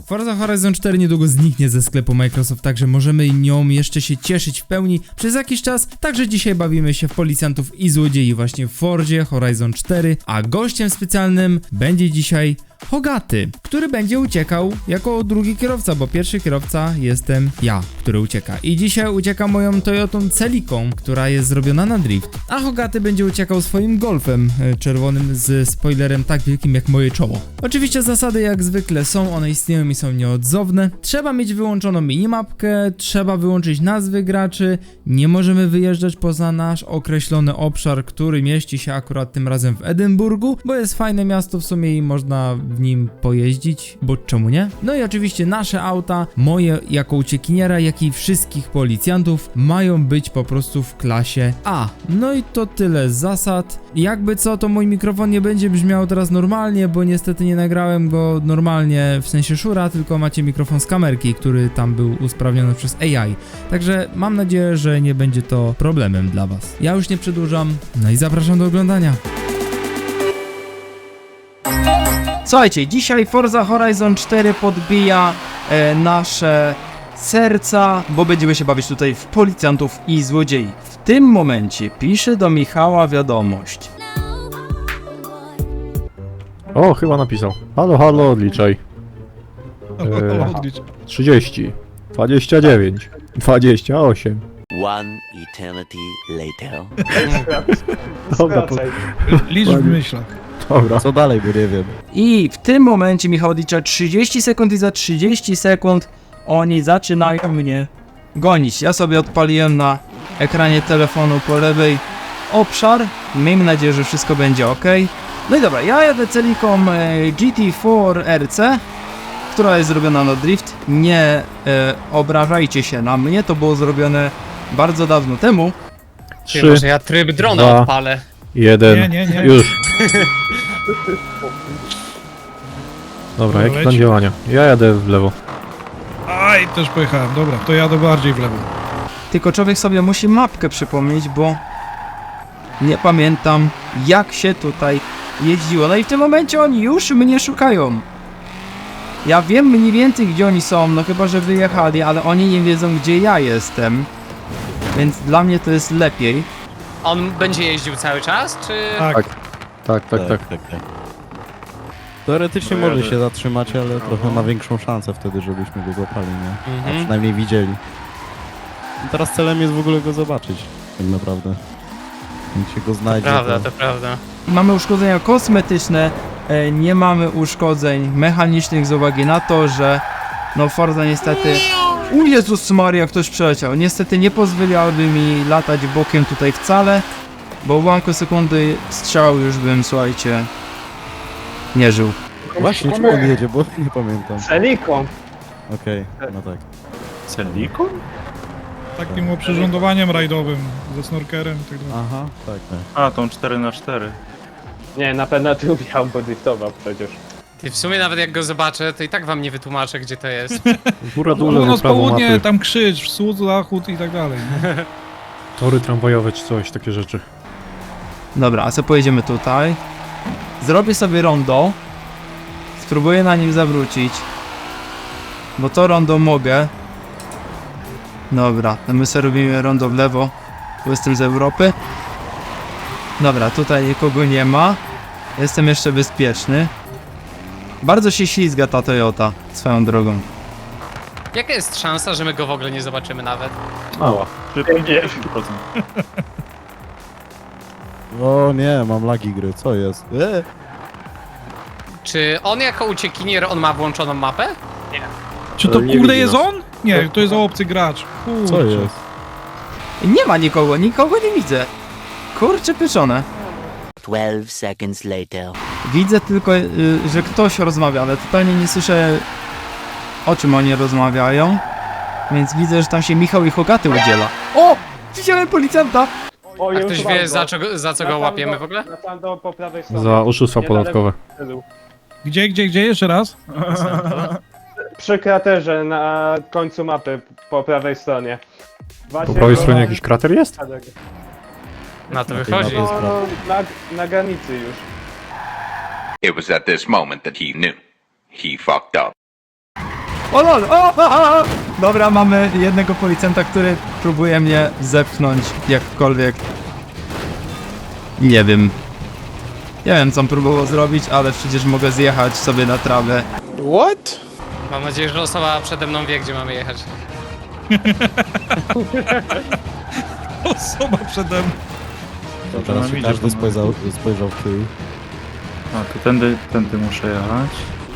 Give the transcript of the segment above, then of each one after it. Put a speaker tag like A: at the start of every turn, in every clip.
A: Forza Horizon 4 niedługo zniknie ze sklepu Microsoft, także możemy nią jeszcze się cieszyć w pełni przez jakiś czas. Także dzisiaj bawimy się w policjantów i złodziei właśnie w Forzie Horizon 4, a gościem specjalnym będzie dzisiaj Hogaty, który będzie uciekał jako drugi kierowca, bo pierwszy kierowca jestem ja, który ucieka. I dzisiaj ucieka moją Toyotą Celiką, która jest zrobiona na drift. A Hogaty będzie uciekał swoim Golfem czerwonym z spoilerem tak wielkim jak moje czoło. Oczywiście zasady jak zwykle są, one istnieją i są nieodzowne. Trzeba mieć wyłączoną minimapkę, trzeba wyłączyć nazwy graczy, nie możemy wyjeżdżać poza nasz określony obszar, który mieści się akurat tym razem w Edynburgu, bo jest fajne miasto w sumie i można w nim pojeździć, bo czemu nie? No i oczywiście nasze auta, moje jako uciekiniera, jak i wszystkich policjantów mają być po prostu w klasie A. No i to tyle z zasad. Jakby co, to mój mikrofon nie będzie brzmiał teraz normalnie, bo niestety nie nagrałem go normalnie, w sensie Shura, tylko macie mikrofon z kamerki, który tam był usprawniony przez AI. Także mam nadzieję, że nie będzie to problemem dla was. Ja już nie przedłużam, no i zapraszam do oglądania. Słuchajcie, dzisiaj Forza Horizon 4 podbija nasze serca, bo będziemy się bawić tutaj w policjantów i złodziei. W tym momencie pisze do Michała wiadomość.
B: O, chyba napisał. Halo, halo, odliczaj. 30, 29, 28.
C: One eternity later.
B: Dobra,
D: Licz w myślach.
B: dobra.
E: Co dalej, bo nie wiem.
A: I w tym momencie Michał odlicza 30 sekund i za 30 sekund oni zaczynają mnie gonić. Ja sobie odpaliłem na ekranie telefonu po lewej obszar. Miejmy nadzieję, że wszystko będzie ok. No i dobra, ja jadę Celiką GT4 RC, która jest zrobiona na drift. Nie obrażajcie się na mnie, to było zrobione bardzo dawno temu.
B: 3,
F: Może ja tryb drona
B: 2,
F: odpalę.
B: 1.
D: Nie.
B: Już. Dobra, jaki
D: leci.
B: plan działania? Ja jadę w lewo.
D: Aj, też pojechałem. Dobra, to jadę bardziej w lewo.
A: Tylko człowiek sobie musi mapkę przypomnieć, bo nie pamiętam jak się tutaj jeździło. No i w tym momencie oni już mnie szukają. Ja wiem mniej więcej gdzie oni są, no chyba że wyjechali, ale oni nie wiedzą gdzie ja jestem. Więc dla mnie to jest lepiej.
F: On będzie jeździł cały czas, czy...
D: Tak.
B: Tak.
E: Teoretycznie może się zatrzymać, ale trochę ma większą szansę wtedy, żebyśmy go złapali, nie? A
F: Mhm.
E: przynajmniej widzieli. I teraz celem jest w ogóle go zobaczyć, tak naprawdę. Jak się go znajdzie,
F: Prawda, to prawda.
A: Mamy uszkodzenia kosmetyczne, nie mamy uszkodzeń mechanicznych z uwagi na to, że no Forza niestety... O Jezus Maria, ktoś przeleciał. Niestety nie pozwoliłaby mi latać bokiem tutaj wcale, bo w ułamku sekundy strzał już bym, słuchajcie, nie żył.
E: Właśnie, czemu on jedzie, bo nie pamiętam.
G: Celiką.
E: Okej, no tak.
D: Takim oprzyrządowaniem rajdowym, ze snorkerem i tak dalej.
E: Aha, tak.
H: A, tą 4x4.
G: Nie, na pewno tu miał, bo driftował przecież.
F: Ty, w sumie nawet jak go zobaczę, to i tak wam nie wytłumaczę, gdzie to jest.
B: Góra, dół,
D: Północ,
B: lewo, prawo,
D: południe,
B: mapy.
D: tam krzyż, wschód, zachód i tak dalej. nie?
B: Tory tramwajowe czy coś, takie rzeczy.
A: Dobra, a co pojedziemy tutaj? Zrobię sobie rondo. Spróbuję na nim zawrócić. Bo to rondo mogę. Dobra, to my sobie robimy rondo w lewo. Bo jestem z Europy. Dobra, tutaj nikogo nie ma. Jestem jeszcze bezpieczny. Bardzo się ślizga ta Toyota, swoją drogą.
F: Jaka jest szansa, że my go w ogóle nie zobaczymy nawet?
B: Mała.
H: 50%.
E: O nie, mam lagi gry, co jest?
F: Czy on jako uciekinier, on ma włączoną mapę?
D: Czy to
B: Nie
D: kurde
B: widzi
D: jest
B: nas.
D: on? Nie, to jest obcy gracz. Kurczę.
E: Co jest?
A: Nie ma nikogo, nikogo nie widzę. Kurczę pieczone.
C: 12 seconds later.
A: Widzę tylko, że ktoś rozmawia, ale totalnie nie słyszę o czym oni rozmawiają. Więc widzę, że tam się Michał i Hogaty udziela. O! Widziałem policjanta!
G: O,
F: A ktoś wie za co go łapiemy w ogóle?
G: Tam do po prawej stronie.
B: Za oszustwa podatkowe.
D: Gdzie? Jeszcze raz?
G: Przy kraterze na końcu mapy po prawej stronie.
B: Po prawej stronie jakiś krater jest?
F: Na to
E: Na tej
F: wychodzi.
E: mapie.
G: No, na granicy już.
I: It was at this moment that he knew. He fucked up. O lol! Dobra, mamy jednego policjanta, który próbuje mnie zepchnąć jakkolwiek. Nie wiem. Nie wiem, co on próbował zrobić, ale przecież mogę zjechać sobie na trawę.
F: Mam nadzieję, że osoba przede mną wie, gdzie mamy jechać.
D: Osoba przede mną.
E: Teraz
H: nam
E: się
H: idzie,
E: każdy
H: panowie.
E: spojrzał w tył.
H: A, to tędy muszę jechać.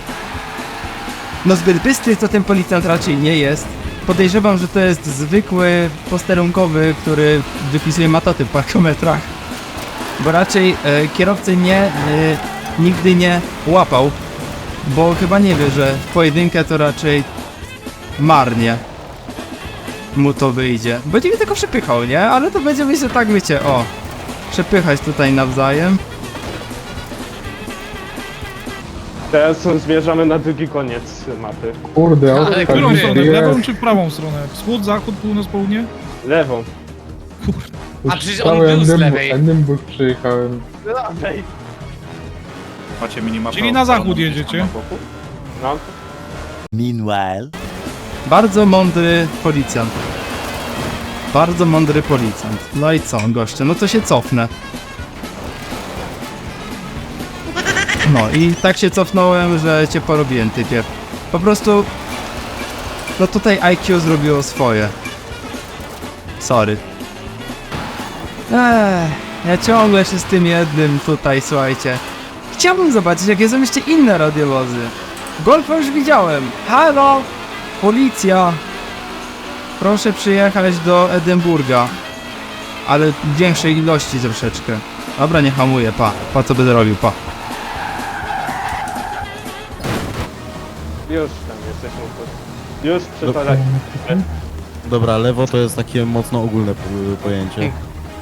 I: No zbyt bystry to ten policjant raczej nie jest. Podejrzewam, że to jest zwykły posterunkowy, który wypisuje matoty w parkometrach. Bo raczej kierowcy nigdy nie łapał. Bo chyba nie wie, że w pojedynkę to raczej marnie mu to wyjdzie. Będzie mnie tylko przepychał, nie? Ale to będzie myślę tak, wiecie, o. Przepychać tutaj nawzajem.
G: Teraz zmierzamy na drugi koniec mapy.
J: Kurde,
F: Ale
J: tak
D: Którą
F: Kurde,
D: stronę? W
J: jest.
D: lewą czy w prawą stronę? Wschód, zachód, północ, południe?
G: Lewą.
F: A przecież on był z lewej.
J: Edynburg przyjechałem.
G: Lewej.
H: Macie minimapę.
D: Czyli na zachód
H: odpaloną
D: jedziecie?
H: gdzieś tam na boku?
G: No.
C: Meanwhile,
I: Bardzo mądry policjant. Bardzo mądry policjant. No i co, goście? No to się cofnę. No i tak się cofnąłem, że cię porobiłem, typie. Po prostu... No tutaj IQ zrobiło swoje. Sorry. Ja ciągle się z tym jednym tutaj, słuchajcie. Chciałbym zobaczyć, jakie są jeszcze inne radiowozy. Golfa już widziałem. Halo! Policja! Proszę przyjechać do Edynburga. Ale w większej ilości troszeczkę. Dobra, nie hamuję, pa co będę robił, pa.
G: Już tam jesteśmy. Już przepadać.
E: Dobra, lewo to jest takie mocno ogólne pojęcie.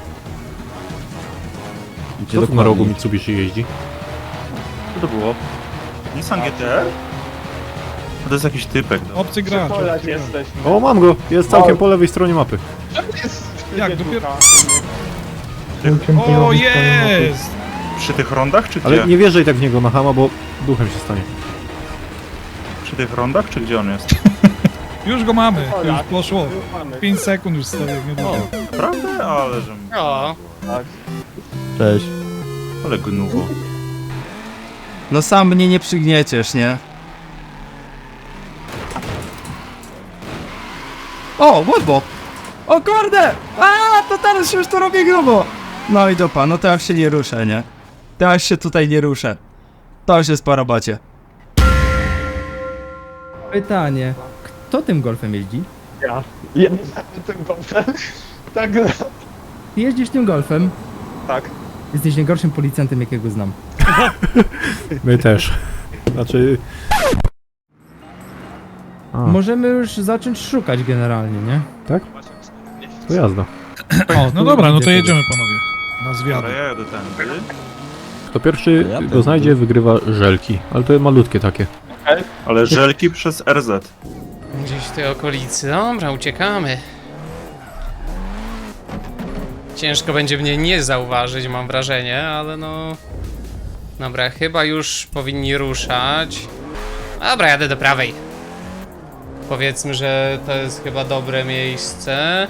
E: Gdzie
B: Co tu na rogu
E: dokładnie?
B: Mitsubishi jeździ?
H: Co to było? Nissan GT? To jest jakiś typek. No.
D: Obcy gracz.
G: Przepadać
D: obcy gracz.
G: jesteśmy.
B: O, mam go! Jest całkiem po lewej stronie mapy.
D: Jak, dopiero-
J: Ciągle
D: O,
J: robię
D: jest!
H: Przy tych rondach czy gdzie?
B: Ale nie wjeżdżaj tak w niego na hama, bo duchem się stanie.
H: Przy tych rondach czy gdzie on jest?
D: Już go mamy,
G: Dobra.
D: już poszło.
G: Już mamy.
D: 5 sekund już stoję, niedługo.
H: Prawda? Ale że...
F: O,
G: Tak.
E: Cześć.
H: Ale gnuwo.
I: No sam mnie nie przygnieciesz, nie? O, łobo! O kurde! To teraz się już to robię grubo! No i dupa, no teraz się nie ruszę, nie? Teraz się tutaj nie ruszę. To już jest po robocie.
A: Pytanie. Kto tym golfem jeździ?
G: Ja tym golfem. Tak,
A: Ty jeździsz tym golfem?
G: tak.
A: Jesteś najgorszym policjantem, jakiego znam.
B: My też. Znaczy... A,
A: Możemy już zacząć szukać generalnie, nie?
B: tak? To jazda.
A: O,
D: No dobra, no to jedziemy panowie. Na zwiady.
H: Dobra, ja jadę tędy.
B: Kto pierwszy
E: Ja
B: go
E: też.
B: znajdzie, wygrywa żelki. Ale to malutkie takie.
H: Ale żelki przez RZ.
F: gdzieś w tej okolicy. Dobra, uciekamy. Ciężko będzie mnie nie zauważyć, mam wrażenie, ale no... Dobra, chyba już powinni ruszać. Dobra, jadę do prawej. Powiedzmy, że to jest chyba dobre miejsce.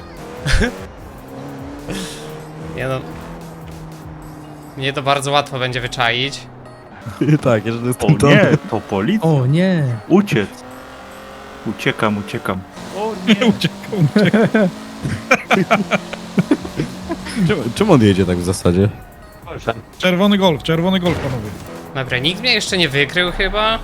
F: Nie no... Mnie to bardzo łatwo będzie wyczaić.
E: Tak, jeżeli jest
H: O
E: ten
H: nie, to policja.
A: O nie!
H: Uciec. Uciekam.
D: Uciekał.
E: Czemu on jedzie tak w zasadzie?
D: Czerwony golf panowie.
F: Dobra, nikt mnie jeszcze nie wykrył chyba.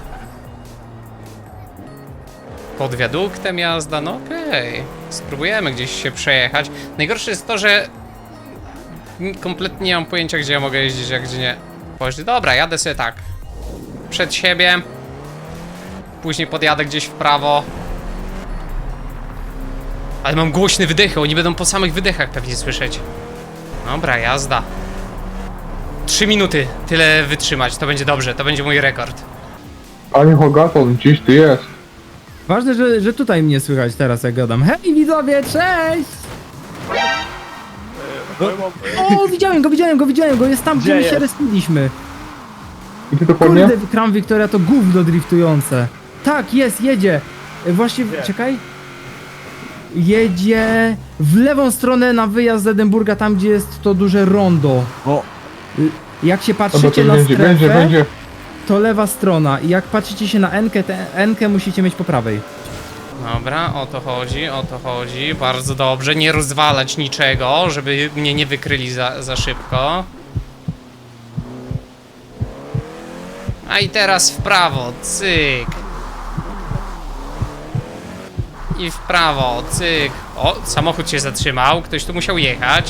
F: Pod wiaduktem jazda, no okej. Spróbujemy gdzieś się przejechać. Najgorsze jest to, że kompletnie nie mam pojęcia, gdzie ja mogę jeździć, a gdzie nie. Dobra, jadę sobie tak. Przed siebie. Później podjadę gdzieś w prawo. Ale mam głośne wydechy, oni będą po samych wydechach pewnie słyszeć. Dobra, jazda. 3 minuty, tyle wytrzymać, to będzie dobrze, to będzie mój rekord.
J: Panie Hogaton, gdzieś ty jest.
A: Ważne, że tutaj mnie słychać teraz, jak gadam. Hej widzowie, cześć! O, widziałem go, jest tam, gdzie
G: Gdzie
A: my się
G: jest?
A: respiliśmy.
J: Gdzie dokładnie?
A: Kurde, Crown Victoria to gówno driftujące. Tak, jest, jedzie. Właśnie, czekaj. Jedzie w lewą stronę na wyjazd z Edynburga, tam gdzie jest to duże rondo.
E: O.
A: Jak się
J: Dobra,
A: patrzycie
J: to
A: na
J: będzie,
A: strefę,
J: będzie.
A: to lewa strona. I jak patrzycie się na N-kę, tę N-kę musicie mieć po prawej.
F: Dobra, o to chodzi, o to chodzi. Bardzo dobrze, nie rozwalać niczego, żeby mnie nie wykryli za szybko. A i teraz w prawo, cyk. I w prawo, cyk. O, samochód się zatrzymał, ktoś tu musiał jechać.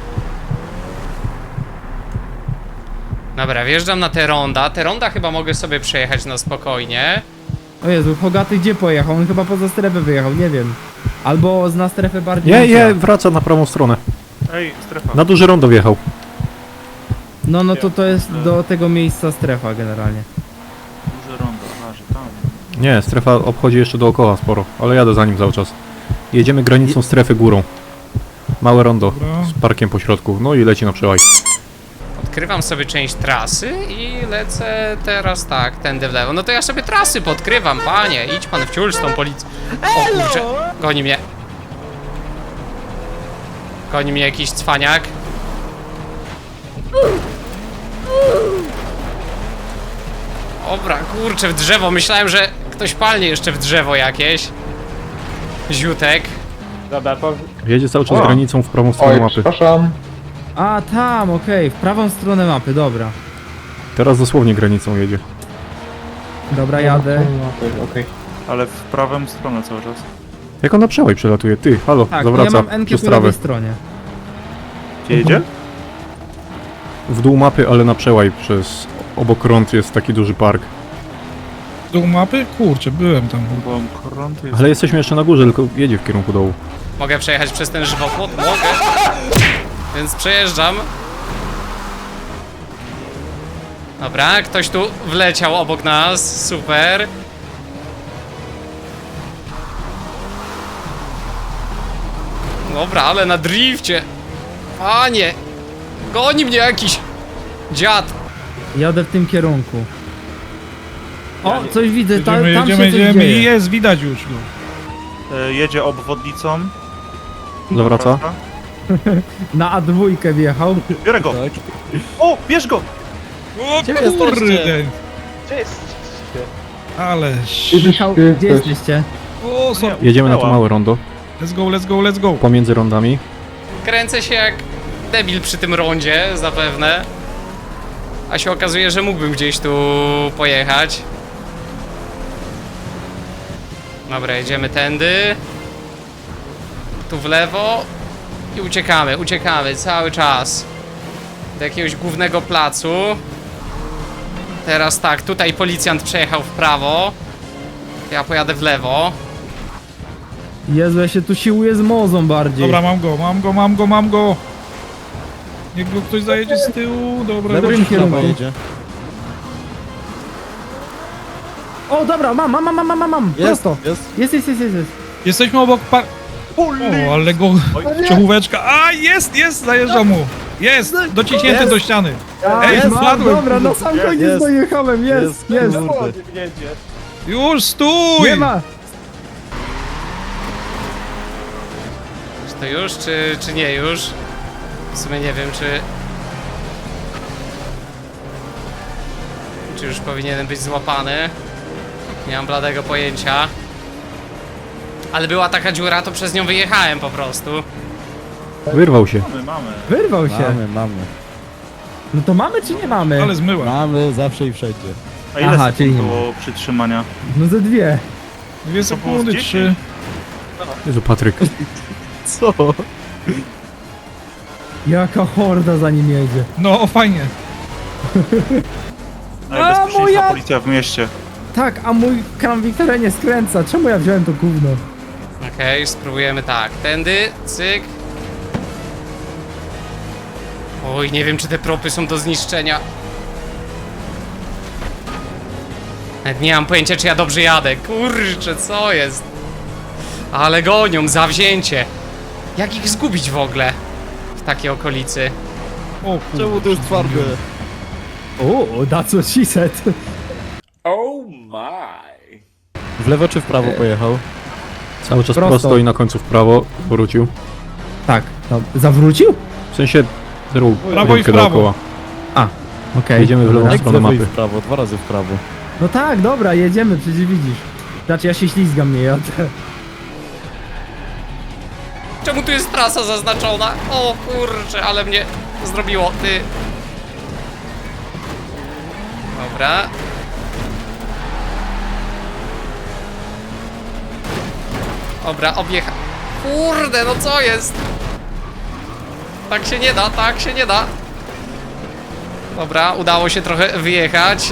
F: Dobra, wjeżdżam na te ronda. Te ronda chyba mogę sobie przejechać na spokojnie.
A: O Jezu, Hogaty gdzie pojechał? On chyba poza strefę wyjechał, nie wiem. Albo zna strefę bardziej niż ja.
B: wraca na prawą stronę.
H: Ej, strefa.
B: Na duże rondo wjechał.
A: No to jest do tego miejsca strefa generalnie.
H: Duże rondo, aha, że tam.
B: Nie, strefa obchodzi jeszcze dookoła sporo, ale jadę za nim cały czas. Jedziemy granicą strefy górą. Małe rondo
D: Dobra.
B: z parkiem po środku, no i leci na przełaj.
F: Odkrywam sobie część trasy i lecę teraz tak, tędy w lewo. No to ja sobie trasy podkrywam, panie. Idź pan w ciul z tą policją. O kurczę, goni mnie. Goni mnie jakiś cwaniak. Dobra, kurczę, w drzewo. Myślałem, że ktoś palnie jeszcze w drzewo jakieś. Ziutek.
G: Dobra,
B: Jedzie cały czas
J: O.
B: granicą w prawą stronę
J: Oj,
B: mapy.
J: przepraszam.
A: A tam, okej, w prawą stronę mapy, dobra.
B: Teraz dosłownie granicą jedzie.
A: Dobra, jadę.
J: Okej.
H: Ale w prawą stronę cały czas.
B: Jak on na przełaj przelatuje? Ty, halo,
A: Tak,
B: zawraca
A: ja mam N-kę
B: przez
A: po
B: trawę.
A: lewej stronie.
H: Gdzie jedzie?
B: W dół mapy, ale na przełaj przez... Obok rąd jest taki duży park.
D: Dół mapy? Kurczę, byłem tam.
H: Bo krąg jest...
B: Ale jesteśmy jeszcze na górze, tylko jedzie w kierunku dołu.
F: Mogę przejechać przez ten żywopłot? Mogę. Więc przejeżdżam. Dobra, ktoś tu wleciał obok nas. Super. Dobra, ale na drifcie. Panie. Goni mnie jakiś dziad.
A: Jadę w tym kierunku. O, coś widzę, tam się coś
D: Jedziemy i
A: dzieje.
D: jest, widać już go.
H: Jedzie obwodnicą.
B: Zawraca?
A: Na A2 wjechał.
H: Biorę go! O, bierz go!
D: O
E: Gdzie
D: kurde!
G: gdzie jest?
D: Ale...
A: Michał, gdzie jesteście?
D: O, sorry.
B: Jedziemy na to małe rondo,
D: Let's go, let's go, let's go.
B: pomiędzy rondami.
F: Kręcę się jak debil przy tym rondzie, zapewne. A się okazuje, że mógłbym gdzieś tu pojechać. Dobra, jedziemy tędy. Tu w lewo. I uciekamy cały czas. Do jakiegoś głównego placu. Teraz tak, tutaj policjant przejechał w prawo. Ja pojadę w lewo.
A: Jezu, ja się tu siłuję z mozą bardziej.
D: Dobra, mam go. Niech go ktoś zajedzie z tyłu. Dobra,
A: Dobrym
D: dobrze.
A: kierunku.
E: jedzie.
A: O, dobra, mam.
E: Jest,
A: Prosto.
E: jest.
A: Jest.
D: Jesteśmy obok O, ale go... Ciągóweczka. A, jest, zajeżdża mu. Jest, dociśnięty
E: Jest.
D: do ściany.
A: Ej,
D: Jest,
A: mam,
D: wpadłem.
A: dobra, na sam koniec
E: Jest.
A: dojechałem, jest.
E: Kurde.
G: Jedzie.
D: Już, stój!
A: Nie ma.
F: Czy to już, czy nie już? W sumie nie wiem, czy już powinienem być złapany. Nie mam bladego pojęcia. Ale była taka dziura, to przez nią wyjechałem po prostu.
B: Wyrwał się.
H: Mamy.
A: Wyrwał się.
E: Mamy.
A: No to mamy czy nie mamy?
D: Ale zmyła.
E: Mamy zawsze i wszędzie.
H: A ile
A: Aha,
H: sekund
A: czyli nie
H: było przytrzymania?
A: No ze 2.
D: 2 sekundy,
H: 10.
D: 3.
B: Jezu, Patryk.
E: Co?
A: Jaka horda za nim jedzie.
D: No, fajnie.
H: Najbezpieczniejsza
A: moja-
H: policja w mieście.
A: Tak, a mój kram Wiktoria nie skręca. Czemu ja wziąłem to gówno?
F: Okej, spróbujemy tak. Tędy, cyk. Oj, nie wiem, czy te propy są do zniszczenia. Nawet nie mam pojęcia, czy ja dobrze jadę. Kurczę, co jest? Ale gonią, zawzięcie. Jak ich zgubić w ogóle? W takiej okolicy.
D: O kurde.
E: Czemu to jest twarde?
A: O, that's what she said.
E: W lewo czy w prawo pojechał?
B: Cały czas
A: Prosto.
B: prosto i na końcu w prawo wrócił.
A: Tak, no, zawrócił?
B: W sensie zrób
D: Prawo i w
B: rękę
D: prawo.
B: dookoła.
A: Okej.
B: Jedziemy w lewą
E: Jak w
B: stronę
E: lewo i
B: mapy.
E: w prawo, 2 razy w prawo.
A: No tak, dobra, jedziemy, przecież widzisz. Znaczy ja się ślizgam, nie jadę.
F: Czemu tu jest trasa zaznaczona? O kurczę, ale mnie zrobiło, ty. Dobra. Dobra, objecha. Kurde, no co jest? Tak się nie da, tak się nie da. Dobra, udało się trochę wyjechać.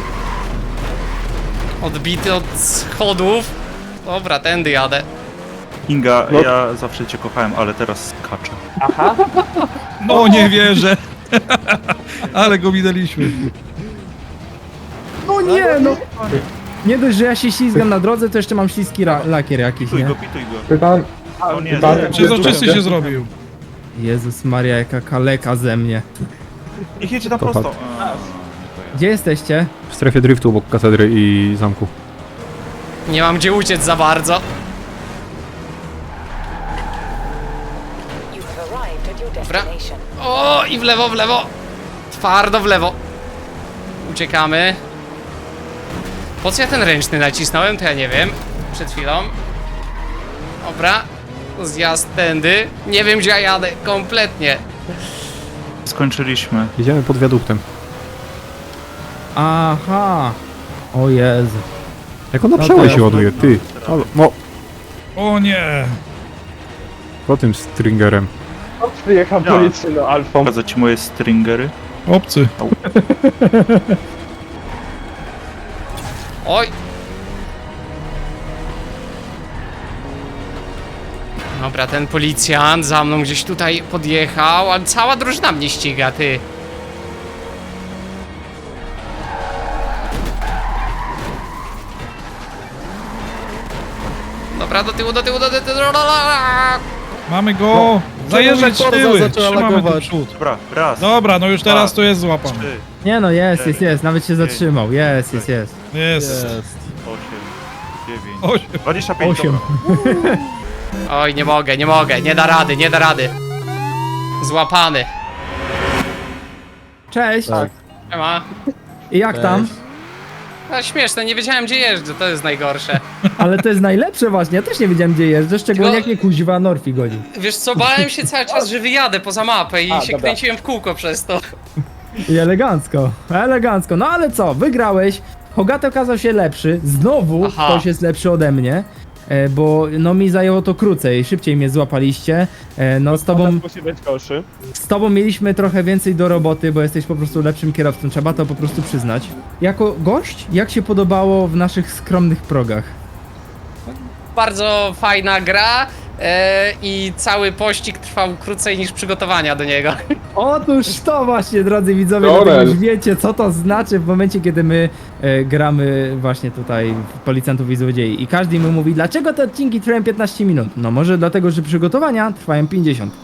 F: Odbity od schodów. Dobra, tędy jadę.
H: Kinga, ja zawsze cię kochałem, ale teraz skaczę.
G: Aha.
D: No nie wierzę. Ale go minęliśmy.
A: No nie, no! Nie dość, że ja się ślizgam na drodze, to jeszcze mam śliski lakier jakiś,
H: Pituj
A: nie?
H: go, pituj go.
J: Pytam,
H: O nie,
J: pytam,
D: Przezroczysty się zrobił.
A: Jezus Maria, jaka kaleka ze mnie.
H: niech jedzie tam
B: Kocham.
H: prosto.
A: Gdzie jesteście?
B: W strefie driftu obok katedry i zamku.
F: Nie mam gdzie uciec za bardzo. Dobra. O, i w lewo, w lewo. Twardo w lewo. Uciekamy. Po co ja ten ręczny nacisnąłem, to ja nie wiem. Przed chwilą. Dobra. Zjazd tędy. Nie wiem, gdzie ja jadę. Kompletnie.
H: Skończyliśmy.
B: Jedziemy pod wiaduktem.
A: Aha. O Jezu.
B: Jak ona
A: No
B: przełaj
A: to
B: się
A: ja-
B: ładuje, ty. Halo, no,
D: O nie.
B: po tym stringerem.
G: Przyjechał
H: Ja.
G: policyjną alfą.
H: Pokazać ci moje stringery.
D: Obcy.
F: Oj. Dobra, ten policjant za mną gdzieś tutaj podjechał, ale cała drużyna mnie ściga, ty. Dobra, do tyłu, do tyłu, do tyłu.
D: Mamy go. Zajeżdżać
E: Forza
D: tyły.
E: zaczęła
D: Trzymamy tu
E: lagować.
D: przód.
H: Dobra, raz,
D: Dobra, no już teraz to jest złapane.
H: 3,
A: Nie no, jest, nawet się zatrzymał. Jest.
D: Jest.
E: Jest.
H: 8, 9,
D: 8.
H: 25,
A: 8.
H: dobra.
F: Oj, nie mogę, nie da rady, nie da rady. Złapany.
A: Cześć.
F: Siema.
A: I jak tam?
F: A śmieszne, nie wiedziałem gdzie jeżdżę, to jest najgorsze.
A: Ale to jest najlepsze właśnie, ja też nie wiedziałem gdzie jeżdżę, szczególnie
F: Tylko-
A: jak mnie kuźwa Norfi godzi.
F: Wiesz co, bałem się cały czas, że wyjadę poza mapę i
G: A,
F: się
G: dobra.
F: kręciłem w kółko przez to.
A: I elegancko, elegancko. No ale co, wygrałeś. Hogaty okazał się lepszy. Znowu
F: Aha.
A: ktoś jest lepszy ode mnie. Bo no mi zajęło to krócej, szybciej mnie złapaliście. No
G: Musi być gorszy.
A: z tobą mieliśmy trochę więcej do roboty, bo jesteś po prostu lepszym kierowcą, trzeba to po prostu przyznać. Jako gość, jak się podobało w naszych skromnych progach?
F: Bardzo fajna gra i cały pościg trwał krócej niż przygotowania do niego.
A: Otóż to właśnie, drodzy widzowie,
J: Orel.
A: dlatego już wiecie, co to znaczy w momencie, kiedy my gramy właśnie tutaj w Policjantów i Złodziei. I każdy mi mówi, dlaczego te odcinki trwają 15 minut? No może dlatego, że przygotowania trwają 50.